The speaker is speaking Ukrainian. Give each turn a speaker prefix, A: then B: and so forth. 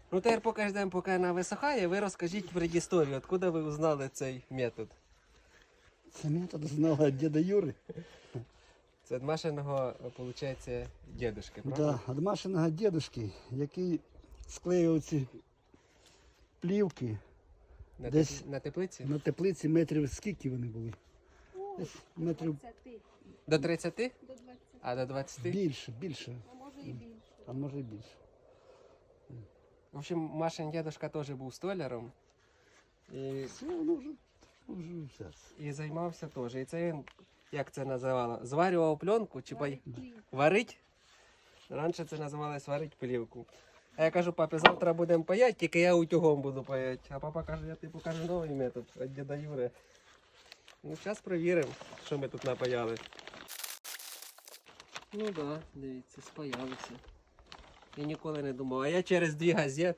A: Ну тепер поки ждемо, поки вона висохає, ви розкажіть предісторію, откуда ви узнали цей метод.
B: Це метод знала від діда Юри.
A: Це від Машиного, виходить, дідушки, правда?
B: Да, від Машиного дідушки, який склеював ці плівки десь
A: На теплиці?
B: на теплиці метрів скільки вони були? Десь метрів
C: 20,
A: До 30?
C: до 20,
A: А до 20?
B: більше,
C: а може і більше.
B: а може і більше.
A: В общем, Машин дідушка теж був столяром. І,
B: Все, воно вже все.
A: і займався теж. І це він, як це називало, зварював пленку чи
C: Варить хліб.
A: варить? Раніше це називалось варить плівку. А я кажу, папі, завтра будемо паяти, тільки я утюгом буду паяти. А папа каже, я тобі покажу новий метод від діда Юри. Ну, зараз перевіримо, що ми тут напаяли. Ну так, да, дивіться, спаялися. Я ніколи не думав. А я через 2 газети